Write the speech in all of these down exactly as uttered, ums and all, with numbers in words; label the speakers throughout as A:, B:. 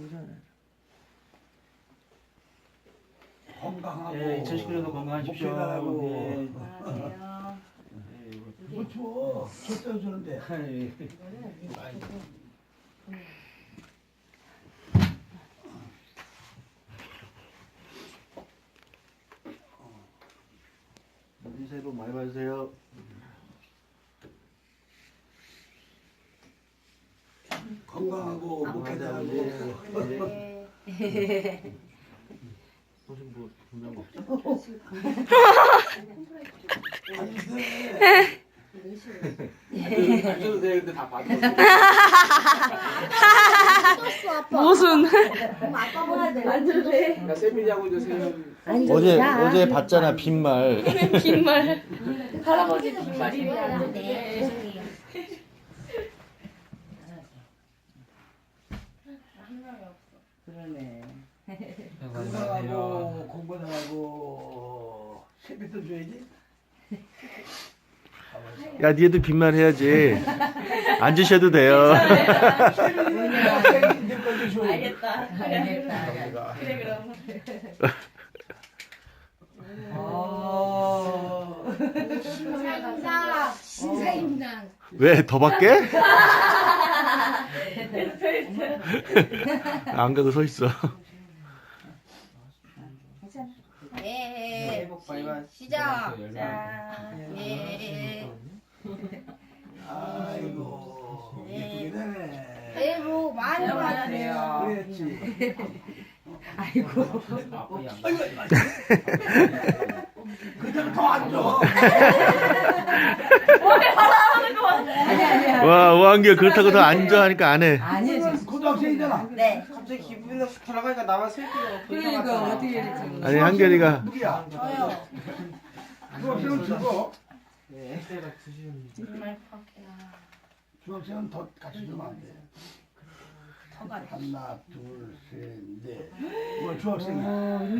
A: 건강하고.
B: 예, 이천십구 년도 건강하십시오.
A: 예.
C: 안녕하세요.
A: 뭐 추워. 줬어요 주는데.
B: 새해 복 많이 받으세요.
A: 건강하고 목회자하고.
C: 네.
B: 무슨 뭐 분명 없죠? 안 줘도 돼. 근데 다 받았어.
D: 무슨
C: 아빠 뭐야 돼? 앉아도 돼?
B: 나 세밀하고 이제 세밀.
E: 어제 어제 봤잖아 빈말.
D: 빈말 할아버지 빈말이
C: 앉아도 돼.
F: 그러네.
A: 건강하고 공부 잘하고 세뱃돈 줘야지.
E: 야 니도 빈말 해야지. 앉으셔도 돼요.
C: 알겠다.
F: 알겠다.
C: 그래 그럼.
F: 어.
C: 신사임당. 신사임당.
E: 왜 더 밖에? 안 가고 서 있어.
C: 예. 시작. 자. 예.
A: 아이고 예쁘게 되네.
C: 새해 복 많이 받으세요.
A: 그랬지.
F: 아이고.
A: 아이고 그때는 더안 줘.
F: 아니 아니야.
E: 와 오한결 그렇다고 더 앉아 하니까 안 해.
F: 아니야 지금.
A: 고등학생이잖아.
C: 네.
G: 갑자기 기분이 나서 돌아가니까 나만 슬프고
F: 그러니까 어떻게 이렇게.
E: 아니 한결이가
A: 누구야?
C: 저요.
A: 중학생은 주고
G: 네 때가 드시는
C: 정말
A: 중학생은 더 같이 주면 안 돼. 하나 둘셋넷 뭐 중학생이야.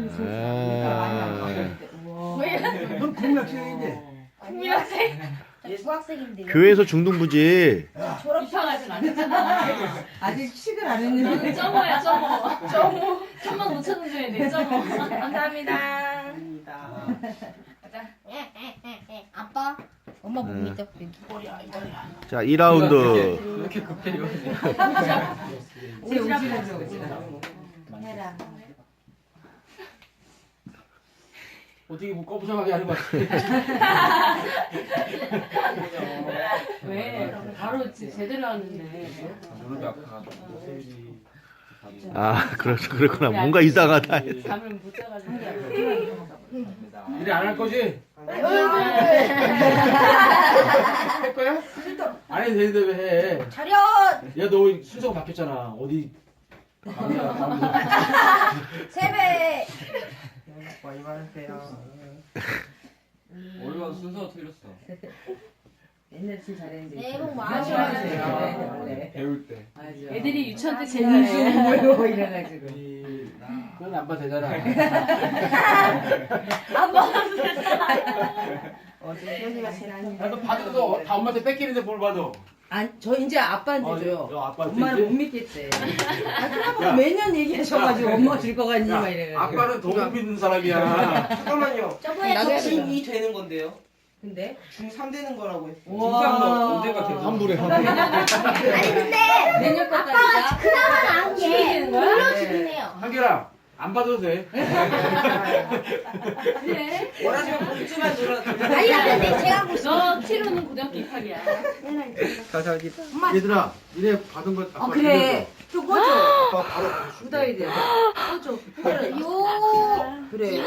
E: 아,
A: 넌 국민학생인데.
C: 국민학생. 저 중학생인데.
E: 교회에서 중등부지.
C: 졸업하진 않았잖아.
F: 아직 식을 안 했는데.
D: 점어야 점어 점어 천만 오천 원 줘야 돼 점어 감사합니다.
G: 겁니다.
C: 가자. 아빠. 엄마 못 믿어. 여기.
E: 자 이 라운드.
G: 왜 이렇게 급해요?
F: 제 오지랖 줘 오지랖.
C: 해라.
B: 어떻게 뭐 꺼부정하게 하는 거 같아.
D: 왜 바로 제대로 하는데
G: 무릎이 아파가지고.
E: 아 그렇죠 그렇구나. 뭔가 이상하다.
D: 잠을 못 자가지고
B: 일이 안 할 거지? 할 거야? 안 해도 되는데 왜 해?
C: 차렷.
B: 야 너 순서가 바뀌었잖아. 어디?
C: 세배.
G: 많이 받으세요.
B: 올라가 순서가 틀렸어.
F: 옛날 진 잘했는데.
C: 새해 복 많이
F: 많이
C: 받으세요.
F: 받으세요. 네.
B: 배울 때.
F: 맞아.
D: 애들이 유치원 때 제일
F: 공주
D: 잘해
F: 뭐 이래가지고.
B: 그건 안 봐도 되잖아.
F: 어제 현이가 제일 안.
B: 야, 너 받아도 다 엄마한테 뺏기는데 뭘 받아?
F: 아저 이제 아빠한테
B: 어,
F: 줘요.
B: 너 아빠한테
F: 엄마는
B: 이제?
F: 못 믿겠대. 아
B: 야.
F: 그러면 매년 얘기하셔가지고 엄마 줄 거 같니
B: 야,
F: 막 이래가지고.
B: 아빠는 더 못 믿는 사람이야.
G: 잠깐만요.
C: 저번에
F: 나도 해야
C: 저
G: 중이 되는 건데요.
F: 근데
G: 중삼 되는 거라고 했어요.
F: 와.
G: 언제가 돼요?
B: 환불해 환불.
C: 아니 근데
F: 내년
C: 아빠가
F: 거까지다.
C: 그나마 나은 게 물려주긴 해요.
B: 한결아 안 받아도 돼.
D: 그래
G: 원하시면 봉투만 줘라도.
C: 아니 근데 제가 뭐
D: 너 치료는 고등학교 입학이야
G: 감사합니다.
B: 얘들아 이래 받은 거 아빠
F: 어 그래. 좀 꺼줘.
B: 아빠 바로 받아줄게.
F: 묻어야 돼. 꺼줘. 그래.
C: 요.
F: 그래.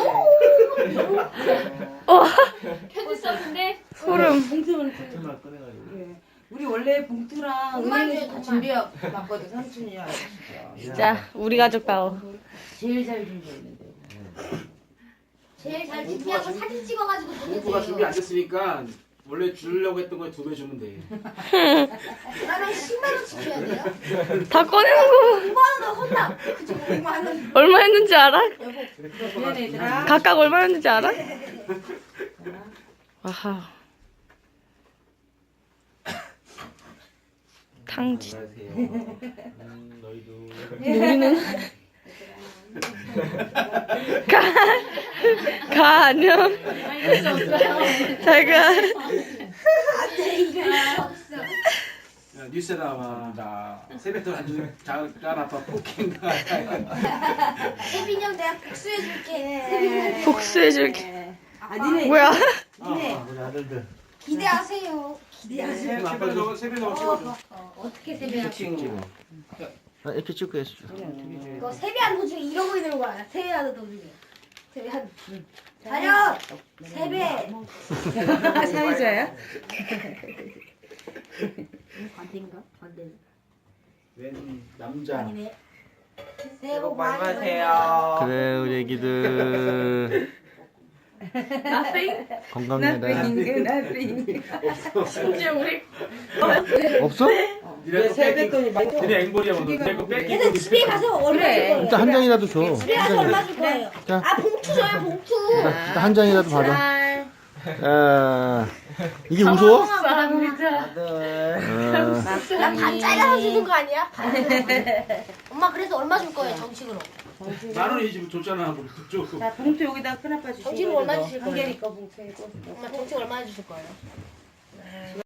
D: 편지 썼는데
F: 소름. 봉투는
B: 정말 꺼내가지고.
F: 그래. 우리 원래 봉투랑
C: 엄마
F: 은행에서
C: 줘,
F: 다
C: 엄마.
F: 준비해놨거든 삼촌이야.
D: 진짜 우리 가족다워
F: 제일 잘 준비했는데.
C: 제일 잘 준비하고 사진 찍어가지고
B: 공부가 준비 안
C: 보내주세요.
B: 됐으니까 원래 주려고 했던 거에 두 배 주면 돼.
C: 그러면 십만 원씩 줘야 돼요?
D: 다 꺼내는 거
C: 오만 원 혼나. 그치 오만 원.
D: 얼마 했는지 알아?
F: 미안해 얘들아.
D: 각각 얼마 했는지 알아? 아하
H: 탕지.
B: 안녕하세요. 음, 너희도.
H: 우리는 가, 가 안녕.
D: 아니 진짜 없어요.
H: 잘 가.
C: 안돼 이거 없어.
B: 야, 뉴스 나와. 세뱃돈 안 잠깐 아빠 폭행가.
C: 세빈이 형 내가 복수해줄게.
H: 복수해줄게.
F: 아 니네
H: 뭐야?
F: 니네
B: 아, 우리 아들들.
C: 기대하세요. 기대하세요.
B: 아빠 저거 세뱃돈 찍어줘.
C: 어, 어떻게 세배하고
B: 찍어.
E: 아, 이렇게 찍고 했어.
C: 이거 세배하는 도중에 이러고 있는 거야. 세배하는 도중에. 세배한. 자녀 세배.
F: 사회자야?
C: 반대인가? 반대.
B: 웬 남자.
C: 아니네. 새해
G: 새해
C: 복
G: 복 많이
C: 많이
G: 받으세요.
E: 그래, 우리 애기들.
D: Nothing.
E: 건강해라.
F: 나빙 나빙
D: 심지어 우리
E: 없어?
B: 니네 거
G: 세뱃돈이 많이
B: 니네 앵벌이야 뭐. 니네 거 뺏기.
C: 얘들 집에 가서 얼마 줄 거예요?
E: 일단 한 장이라도 줘.
C: 집에
E: 한
C: 가서 얼마
E: 장이라도.
C: 줄 거예요?
E: 자.
C: 아 봉투 줘요 봉투.
E: 일단 한 장이라도 받아.
C: 잘.
E: 아, 이게 무서워?
D: 감사합니다.
E: 아,
C: 나 반 잘라서 주는 거 아니야? 반. 엄마 그래서 얼마 줄 거예요 정식으로?
B: 만 원이 지금 줬잖아. 뭐 줘.
F: 자 봉투 여기다 큰아빠 주시고
C: 정식으로 얼마 주실
F: 한
C: 거예요?
F: 개니까 봉투에 꽂
C: 엄마 정식 얼마 주실 거예요?